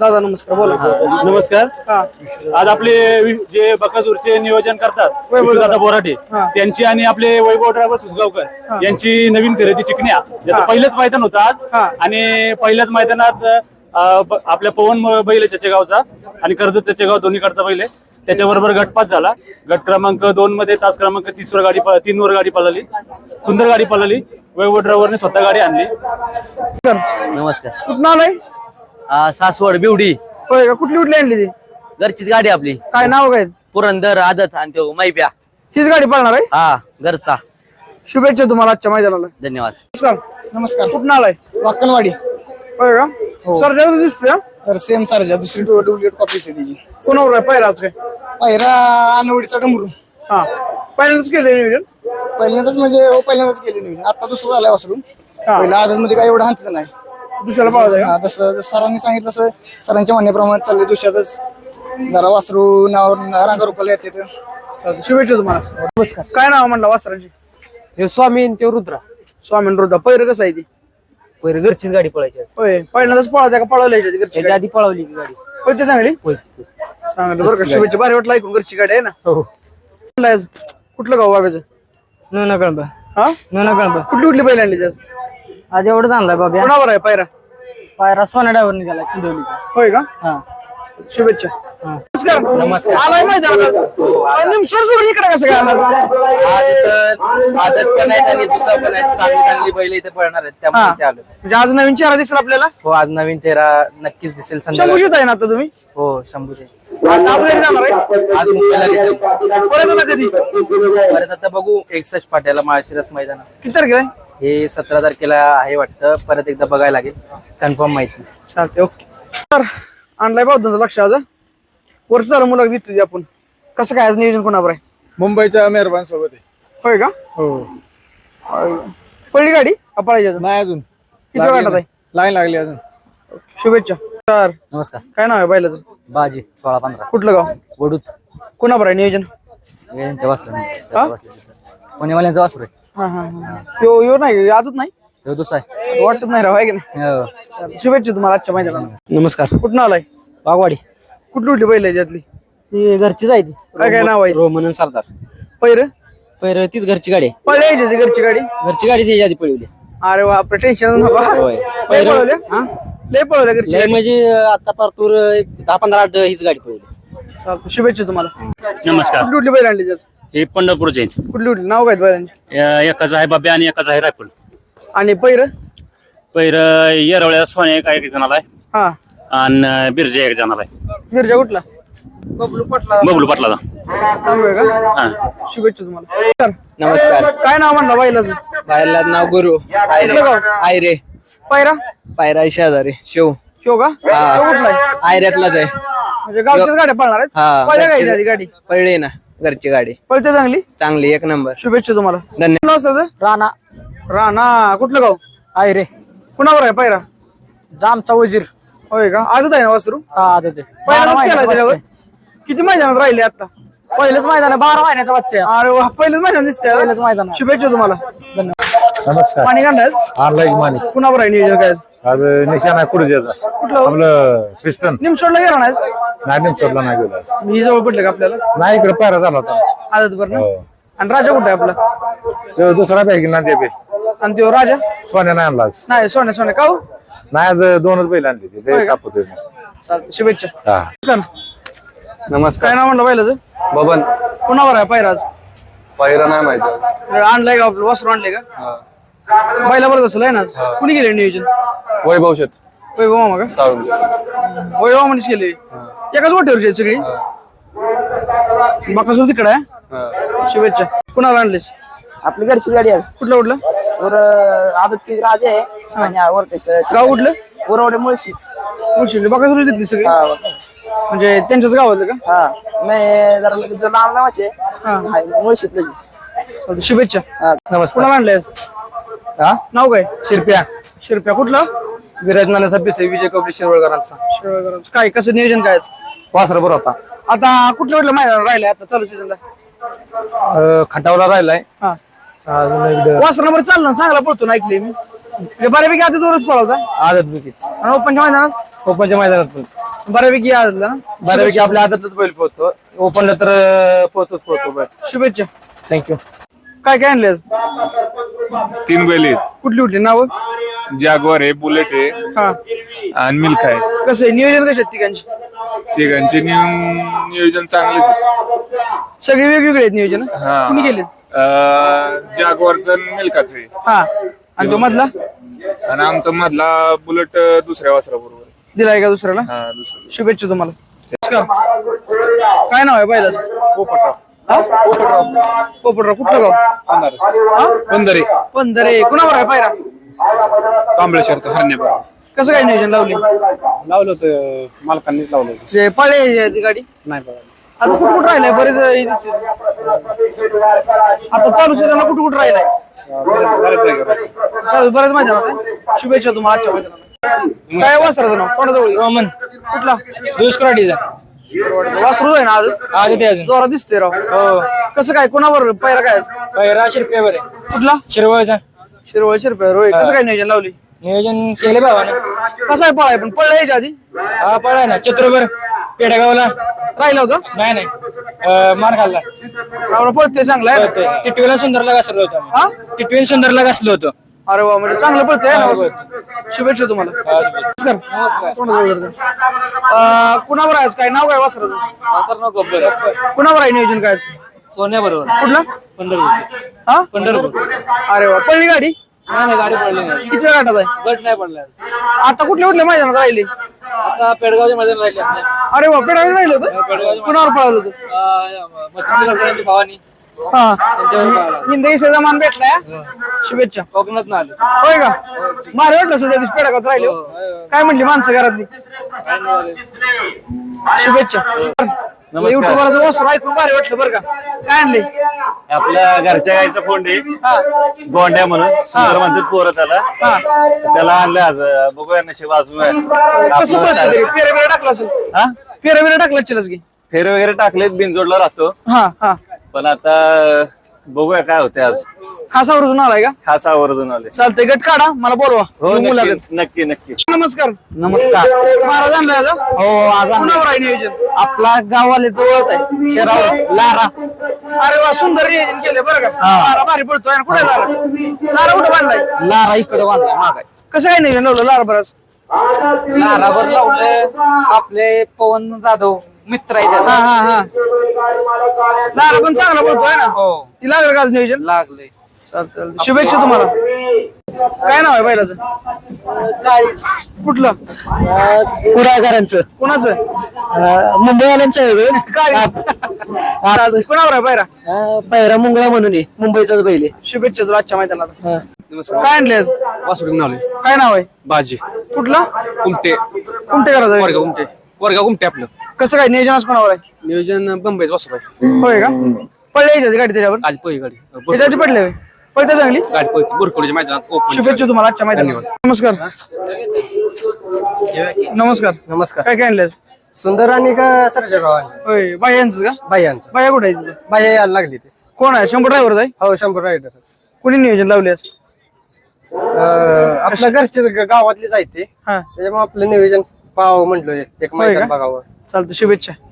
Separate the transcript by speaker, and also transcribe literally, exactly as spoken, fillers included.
Speaker 1: दादा नमस्कार, बोला.
Speaker 2: नमस्कार.
Speaker 1: हा
Speaker 2: आज आपले वि- जे बकासूरचे नियोजन करतात विष्णुदादा बोराटे
Speaker 1: हा.
Speaker 2: त्यांची आणि आपले वैभव ड्रायव्हर सुसगावकर यांची नवीन खरेदी चिकण्या ज्याचं
Speaker 1: हा.
Speaker 2: पहिलंच मैदान होतं आज.
Speaker 1: हा.
Speaker 2: आणि पहिल्याच मैदानात अं, ब- आपल्या पवन म- बैल चचेगावचा आणि कर्जत चचेगाव दोन्हीकडचा बैल आहे. त्याच्याबरोबर गटपात झाला. गट क्रमांक दोन मध्ये तास क्रमांक तीस वर गाडी प- तीन वर गाडी पळाली. सुंदर गाडी पळाली. वैभव ड्रायव्हरने स्वतः गाडी आणली.
Speaker 3: नमस्कार.
Speaker 1: कुठं आलाय?
Speaker 3: आ, सासवड बिवडी
Speaker 1: होय का? कुठली कुठली आणली ती?
Speaker 3: घरचीच गाडी आपली.
Speaker 1: काय नाव काय?
Speaker 3: पुरंदर आदत आणि तो मैप्या.
Speaker 1: हीच गाडी पाळणार आहे.
Speaker 3: हा घरचा.
Speaker 1: शुभेच्छा तुम्हाला आजच्या मैदानाला.
Speaker 3: धन्यवाद.
Speaker 1: नमस्कार. नमस्कार. कुठून आलाय?
Speaker 4: वाकणवाडी.
Speaker 1: होय का? सर जाऊ दिसतोय हा?
Speaker 4: तर सेम सारजा दुसरी डुप्लिकेट कॉपीच आहे त्याची.
Speaker 1: कोणावर आहे पायरा आज काय?
Speaker 4: पहिला अनवडीचा डमरू.
Speaker 1: हा पहिल्यांदाच केलं नियोजन.
Speaker 4: पहिल्यांदाच म्हणजे हो पहिल्यांदाच केले नियोजन. आता दुसरं झालाय वासरून.
Speaker 1: हा.
Speaker 4: पहिला आदत मध्ये काय एवढं हातलं नाही.
Speaker 1: दुसऱ्याला पाळायचं
Speaker 4: हा, तसं जसं सरांनी सांगितलं तसं सरांच्या म्हणण्याप्रमाणे चाललंय. दुसऱ्यातच जरा वासरू नाव रांगा रुपाला येते तर.
Speaker 1: का? शुभेच्छा तुम्हाला. नमस्कार. काय नाव म्हणला वासराची?
Speaker 3: हे स्वामी ते रुद्रा.
Speaker 1: स्वामी रुद्रा. पैर कसं आहे ती?
Speaker 3: पहिले घरचीच गाडी पळायची आज.
Speaker 1: होय पहिल्यांदाच पळायचं का पळवली घरची
Speaker 3: त्याच्या
Speaker 1: गाडी?
Speaker 3: आधी पळवली की गाडी.
Speaker 1: होय ते चांगली
Speaker 3: होय.
Speaker 1: सांगितलं बरं का. शुभेच्छा. भारी वाटलं ऐकून. घरची गाडी आहे ना.
Speaker 3: हो.
Speaker 1: आज कुठलं गाव बाब्याचं?
Speaker 3: नोना कळंब.
Speaker 1: हा
Speaker 3: नोना कळंब.
Speaker 1: कुठली कुठली बैल आणली त्यात?
Speaker 3: आज एवढं आणलाय बाबा.
Speaker 1: कोणावर आहे पायरा?
Speaker 3: पायरा सोना ड्रायव्हर निघाला चिंदवलीचा.
Speaker 1: होय का?
Speaker 3: हा.
Speaker 1: शुभेच्छा. नमस्कार.
Speaker 3: नमस्कार.
Speaker 1: आलाय मैदानात. निमसोड सोडून इकडे कसं काय आला?
Speaker 3: आज इथं आदत पण आहेत आणि दुसरा पण आहेत. चांगली चांगली बैल इथे पळणार आहेत
Speaker 1: हा.
Speaker 3: त्यामुळे ते आलो.
Speaker 1: म्हणजे आज नवीन चेहरा दिसेल आपल्याला.
Speaker 3: हो आज नवीन चेहरा नक्कीच दिसेल संध्याकाळी.
Speaker 1: शंभूशीत आहे ना आता तुम्ही?
Speaker 3: हो शंभूचे.
Speaker 1: आज आज घरी जाणार आहे?
Speaker 3: आज मुंबईला घेतली.
Speaker 1: परत आता कधी?
Speaker 3: परत आता बघू एकसष्ट पाट्याला माळशिरस मैदानात.
Speaker 1: किती तारखेला आहे?
Speaker 3: हे सतरा तारखेला आहे वाटतं. परत एकदा बघायला लागेल. कन्फर्म माहिती.
Speaker 1: चालते. ओके. तर आणलाय बौद्धांचं लक्ष आज. वर्ष झालं मुलं घेतली आपण. कसं काय आज नियोजन कोणावर आहे?
Speaker 4: मुंबईच्या मेहरबान सोबत आहे.
Speaker 1: होय का?
Speaker 4: हो.
Speaker 1: पडली गाडी का पळायची अजून?
Speaker 4: नाही अजून
Speaker 1: किती वाटत आहे?
Speaker 4: लाईन लागली अजून.
Speaker 1: शुभेच्छा. तर
Speaker 3: नमस्कार.
Speaker 1: काय नाव आहे बैलाचं?
Speaker 3: बाजी सोळा पंधरा
Speaker 1: कुठलं गाव?
Speaker 3: वडूत.
Speaker 1: कोणावर आहे नियोजन?
Speaker 3: यांच्या वासरू
Speaker 1: हा?
Speaker 3: पुणेवाल्यांचा वासरू आहे.
Speaker 1: हा हा हा. यो यो नाही आदत नाही
Speaker 3: ह्यो दुसरा आहे.
Speaker 1: वाटत नाही राव आहे की नाही?
Speaker 3: हो.
Speaker 1: चालेल. शुभेच्छा तुम्हाला आजच्या मैदानाला.
Speaker 3: नमस्कार.
Speaker 1: कुठून आलाय?
Speaker 3: बागवाडी.
Speaker 1: कुठली कुठली बैल आहे त्यातली?
Speaker 3: ही घरचीच आहे ती.
Speaker 1: काय काय नाव आहे?
Speaker 3: रोमन आणि सरदार.
Speaker 1: पैर
Speaker 3: पहिलं तीच घरची गाडी आहे.
Speaker 1: पळायची ती घरची गाडी.
Speaker 3: घरची गाडीच याच्या आधी पळवली.
Speaker 1: अरे बापरे टेन्शन नको.
Speaker 3: होय.
Speaker 1: लय पळवल्या?
Speaker 3: हा?
Speaker 1: लय पळवल्या घरची
Speaker 3: लय
Speaker 1: गाडी.
Speaker 3: म्हणजे आता पारतूर एक दहा पंधरा आठ हीच गाडी पळवली.
Speaker 1: चालतं. शुभेच्छा तुम्हाला.
Speaker 2: नमस्कार.
Speaker 1: कुठली कुठली बैल आणली त्यात?
Speaker 2: हे पंढरपूरचे आहेत.
Speaker 1: कुठली कुठली नाव काय बैलांची?
Speaker 2: या- एकाचं आहे बाब्या आणि एकाचं आहे रायफल.
Speaker 1: आणि पैर?
Speaker 2: पैर येरवळ्या सोन्या एक एक जणाला आहे
Speaker 1: हा
Speaker 2: आणि बिरजे एक जणाला आहे.
Speaker 1: मिरजा कुठला? बबलू पटला.
Speaker 2: बबलू पाटलाचा.
Speaker 1: चांगलं आहे का?
Speaker 2: हा.
Speaker 1: शुभेच्छा तुम्हाला. तर
Speaker 3: नमस्कार.
Speaker 1: काय नाव म्हणला बैलाचं?
Speaker 3: बाहेरला नाव गुरु. आयरे.
Speaker 1: कुठलं गाव?
Speaker 3: आयरे.
Speaker 1: पैरा?
Speaker 3: पायरा शेजारी शिव.
Speaker 1: शिव का?
Speaker 3: हा.
Speaker 1: तो कुठला आहे?
Speaker 3: आयऱ्यातलाच आहे.
Speaker 1: म्हणजे गावच्याच गाड्या पळणार आहेत?
Speaker 3: हा.
Speaker 1: पहिल्या
Speaker 3: घरची-
Speaker 1: गाडी गाडी
Speaker 3: पळली ना घरची गाडी.
Speaker 1: पळते चांगली.
Speaker 3: चांगली एक नंबर.
Speaker 1: शुभेच्छा तुम्हाला.
Speaker 3: धन्यवाद.
Speaker 1: कुठलं असतं ते?
Speaker 3: राणा.
Speaker 1: राणा. कुठलं गाव?
Speaker 3: आयरे.
Speaker 1: कुणावर आहे पैरा?
Speaker 3: जामचा वजीर.
Speaker 1: होय का? आजच आहे ना वासरू?
Speaker 3: हा देते.
Speaker 1: पहिल्यांदाच केलाय त्याच्यावर? किती मैदानात राहिले आता?
Speaker 3: पहिलंच मैदान आहे. बारा महिन्याचा बच्चा आहे.
Speaker 1: अरे वा, पहिलंच मैदान दिसतंय.
Speaker 3: पहिलंच मैदान आहे.
Speaker 1: शुभेच्छा तुम्हाला.
Speaker 5: नमस्कार.
Speaker 1: पाणी काढलाय?
Speaker 5: आणलाय की माणिक.
Speaker 1: कुणावर आहे नियोजन काय?
Speaker 5: आज निशाण आहे कुडजेचा.
Speaker 1: कुठलं हो?
Speaker 5: आपलं पिस्टन.
Speaker 1: निमसोडला गेला नाही?
Speaker 5: नाही सोडला नाही गेला आज.
Speaker 1: मी जवळ पडलं का आपल्याला?
Speaker 5: नाही इकडे पायरा झाला होता.
Speaker 1: आजच बरं ना?
Speaker 5: हो.
Speaker 1: आणि राजा कुठे आहे आपला?
Speaker 5: तो दुसरा बॅग ना ते बे.
Speaker 1: आणि तो राजा?
Speaker 5: सोन्या नाही आणला आज.
Speaker 1: नाही सोन्या सोन्या का हो?
Speaker 5: नाही आज दोनच बैल आणली ती.
Speaker 1: होय
Speaker 5: ते
Speaker 1: का?
Speaker 5: कापतोय.
Speaker 1: चालतं. शुभेच्छा.
Speaker 5: हा.
Speaker 1: काय
Speaker 3: नमस्कार.
Speaker 1: नाव म्हणलं बैलाचं?
Speaker 3: बबन.
Speaker 1: कुणावर आहे पैराज?
Speaker 3: पायरा नाही माहिती.
Speaker 1: आणलाय का आपलं वासरू आणलंय का? बैला बरं असेल आहे ना? कुणी गेले नियोजन?
Speaker 3: वैभव शेत.
Speaker 1: वैभव मामा का?
Speaker 3: साळुंगे.
Speaker 1: वैभव मामानेच केले. एकाच वाटेवरची आहेत सगळी. बाकासूर तिकडे आहे. शुभेच्छा. कुणाला आणलेस?
Speaker 3: आपली घरची गाडी आज.
Speaker 1: कुठलं कुठलं?
Speaker 3: वर आदत की राजा आहे आणि वरटेचं
Speaker 1: गाव कुठलं?
Speaker 3: वरवडे मुळशी.
Speaker 1: मुळशी. बाकासूर तिथली सगळी म्हणजे त्यांच्याच गावातलं का?
Speaker 3: हा नाही जरा लगेच लांब नावाचे
Speaker 1: हा.
Speaker 3: मुळशीतलं.
Speaker 1: चालतं. शुभेच्छा.
Speaker 3: नमस्कार.
Speaker 1: कुणाला आणलंय?
Speaker 3: हा
Speaker 1: नाव काय?
Speaker 3: शिरप्या.
Speaker 1: शिरप्या. कुठला?
Speaker 3: विराज नानाचा पिसे विजय कपडे शिरवळकरांचा.
Speaker 1: शिरवळकरांचं. काय कसं नियोजन काय आज?
Speaker 3: वासर बरोबर होता.
Speaker 1: आता कुठलं कुठलं मैदान राहिलंय आता चालू सीझनला?
Speaker 3: खटावला राहिलाय.
Speaker 1: हा
Speaker 3: अजून एकदा
Speaker 1: वासर नंबर चालला चांगला पळतो ना ऐकले मी. बऱ्यापैकी आता दोनच पळवता
Speaker 3: आदत बिकीच
Speaker 1: आणि ओपनच्या मैदानात
Speaker 3: कोकणच्या मैदानात पण
Speaker 1: बऱ्यापैकी आदतला ना
Speaker 3: बऱ्यापैकी आपल्या आदतच बैल पोहतो ओपनला तर अं, पोहतोच पोहतो बैल.
Speaker 1: शुभेच्छा.
Speaker 3: थँक्यू.
Speaker 1: काय काय आणले आज?
Speaker 6: तीन बैल आहेत.
Speaker 1: कुठली कुठली नावं?
Speaker 6: जॅगवार आहे, बुलेट आहे
Speaker 1: हा
Speaker 6: आणि मिल्क आहे.
Speaker 1: कसं आहे नियोजन कसे आहेत तिघांची?
Speaker 6: तिघांचे नियम नियोजन चांगलेच आहे.
Speaker 1: सगळे वेगवेगळे आहेत नियोजन
Speaker 6: हा.
Speaker 1: कुणी केले?
Speaker 6: जॅगवारचं आणि मिल्काचं आहे
Speaker 1: हा आणि तो मधला
Speaker 6: आणि आमचा मधला बुलेट दुसऱ्या वासरा बरोबर.
Speaker 1: दिलाय का दुसऱ्याला?
Speaker 6: हा दुसरा.
Speaker 1: शुभेच्छा तुम्हाला. नमस्कार. काय नाव आहे बैलाचं?
Speaker 3: पोपटराव.
Speaker 1: हा? पोपटराव. कुठलं गाव? हा?
Speaker 3: पंधरे
Speaker 1: पंधरे. कुणावर आहे पायरा?
Speaker 3: कांबळेश्वरचं हरण्या
Speaker 1: कसं काय नियोजन लावले?
Speaker 3: लावलं होतं मालकांनीच लावलं होतं.
Speaker 1: जे पळे ती गाडी
Speaker 3: नाही बघा
Speaker 1: आता कुठं कुठं राहिलाय? बरेच हे दिसते. आता चालू सीझनला कुठं कुठं राहिलाय?
Speaker 3: बऱ्याच जागेवर
Speaker 1: चालू बरेच मैदानात आहे. शुभेच्छा तुम्हाला आजच्या मैदानात. काय वासराचं नाव? कोणाजवळ?
Speaker 3: रोमन
Speaker 1: कुठला?
Speaker 3: दुष्कराटीचा
Speaker 1: वासरू आहे ना आज?
Speaker 3: आज ते अजून
Speaker 1: जोरात दिसते राव.
Speaker 3: हो
Speaker 1: कसं काय कोणावर पायरा काय?
Speaker 3: पैरा शिरप्यावर आहे
Speaker 1: कुठला?
Speaker 3: शिरवळचा
Speaker 1: शिरवळ शिरप्या रोय. कसं काय नियोजन लावली?
Speaker 3: नियोजन केले भावानं.
Speaker 1: कसं आहे पळाय पण पळला याच्या आधी
Speaker 3: हा पळाय ना चतुर्भर पेडगावला
Speaker 1: राहिला होता?
Speaker 3: नाही नाही अं, मार खाल्ला
Speaker 1: आपला पळते चांगला आहे ना?
Speaker 3: टिटवीला सुंदरला घासलो होतो
Speaker 1: हा?
Speaker 3: टिटवीला सुंदरला घासलो होतो.
Speaker 1: अरे वा म्हणजे चांगलं पळतंय ना. शुभेच्छा तुम्हाला. नमस्कार. कोणाजवळ जाते? अं, कुणावर आहे आज? काय नाव काय वासराचं? कुणावर आहे नियोजन काय आज?
Speaker 3: सोन्या बरोबर
Speaker 1: कुठला?
Speaker 3: पंढरपूर
Speaker 1: हा
Speaker 3: पंढरपूर
Speaker 1: अरे वा पळली गाडी?
Speaker 3: नाही नाही गाडी पडली नाही
Speaker 1: किती वेळ गाठात आहे?
Speaker 3: गट नाही पडला
Speaker 1: आता कुठल्या कुठल्या मैदानात राहिली?
Speaker 3: आता पेडगावच्या मैदान राहिले आपले
Speaker 1: अरे वा पेडावर राहिलं होतं? कुणावर पळालं होतं?
Speaker 3: मच्छिंद्र गडकरांची भावानी
Speaker 1: हा
Speaker 3: त्यांच्यावर पाहिला
Speaker 1: हिंदकीचा मान भेटलाय हा? शुभेच्छा.
Speaker 3: कोकणात ना आले
Speaker 1: होय का? मारे वाटलं सध्या दिवस पेडागात राहिले. काय म्हणली माणसं घरातली? शुभेच्छा. युट्यूबवरचं वासरू ऐकून भारी वाटलं बरं का. काय आणले?
Speaker 7: आपल्या घरच्या गाईचं फोंडी गोंड्या म्हणून सुंदर म्हणतात पोरं त्याला त्याला आणलं आज बघूया नशीब अजून
Speaker 1: कसं पळतं तरी? फेऱ्या बिऱ्या टाकला असेल?
Speaker 7: हा
Speaker 1: फेऱ्या बिऱ्या टाकला चिलच की?
Speaker 7: फेर वगैरे टाकलेत बिनजोडला राहतो
Speaker 1: हा हा
Speaker 7: पण आता बघूया काय होते आज
Speaker 1: खासावरून आलाय का?
Speaker 7: खास आवर्जून आले
Speaker 1: चालतंय गट काढा मला बोलवा.
Speaker 7: हो
Speaker 1: येऊ मुलाखत.
Speaker 7: नक्की नक्की नक्की
Speaker 1: नमस्कार.
Speaker 3: नमस्कार
Speaker 1: महाराज आणलाय आज?
Speaker 3: हो आज
Speaker 1: कुणावर आहे नियोजन?
Speaker 3: आपला गावाले जवळच आहे शेराव लारा
Speaker 1: अरे वा सुंदर नियोजन केलं बरं का. लारा भारी पडतोय. आणि कुठे लारा? लारा कुठं बांधलाय?
Speaker 3: लारा इकडे बांधला मागाय
Speaker 1: कसं काय नियोजन लावलं लारा बरंच?
Speaker 3: लारावर लावले आपले पवन जाधव मित्र आहे
Speaker 1: हा
Speaker 3: त्याचा
Speaker 1: हा हा लारा पण चांगला पडतोय ना.
Speaker 3: हो
Speaker 1: ती लागलं का आज नियोजन?
Speaker 3: लागले
Speaker 1: चालतं. शुभेच्छा तुम्हाला. काय नाव आहे बैलाचं? कुठलं?
Speaker 4: कुडाळकरांचं
Speaker 1: कोणाचं?
Speaker 4: मुंबईवाल्यांचं आहे
Speaker 1: चालतंय. कुणावर आहे पायरा?
Speaker 4: पैरा मुंगळा म्हणून आहे मुंबईचाच बैल आहे.
Speaker 1: शुभेच्छा तुला आजच्या मैदानाला. काय आणले आज?
Speaker 3: वासुडी नावले
Speaker 1: काय नाव आहे?
Speaker 3: बाजी
Speaker 1: कुठला?
Speaker 3: कुमटे
Speaker 1: कुमटे करायचं?
Speaker 3: कोरगाव कुमटे कोरगाव कुमटे आपलं
Speaker 1: कसं काय नियोजन आज कोणावर आहे?
Speaker 3: नियोजन बंबईच वासुड आहे
Speaker 1: होय का? पडले यायची गाडी त्याच्यावर?
Speaker 3: आज पहिली गाडी
Speaker 1: त्याच्या आधी पडले पळते चांगली.
Speaker 3: गाडी पळते बुरखोडीच्या मैदानात ओपन
Speaker 1: शुभेच्छा तुम्हाला आजच्या मैदानात. नमस्कार. नमस्कार.
Speaker 3: नमस्कार
Speaker 1: काय काय आणले आज?
Speaker 3: सुंदर आणि का सरजेगाव
Speaker 1: होय बाया यांचं का?
Speaker 3: बायांचं
Speaker 1: बाया कुठे आहे तिथं?
Speaker 3: बाया यायला लागली ते
Speaker 1: कोण आहे? शंभर ड्रायव्हर आहे?
Speaker 3: हो शंभर रायडरच
Speaker 1: कोणी नियोजन लावले आज?
Speaker 3: आपल्या घरचे गावातले जायते
Speaker 1: हा
Speaker 3: त्याच्यामुळे आपलं नियोजन पाहावं म्हटलं एक
Speaker 1: होय का?
Speaker 3: मैदान बघावं.
Speaker 1: चालतं. शुभेच्छा.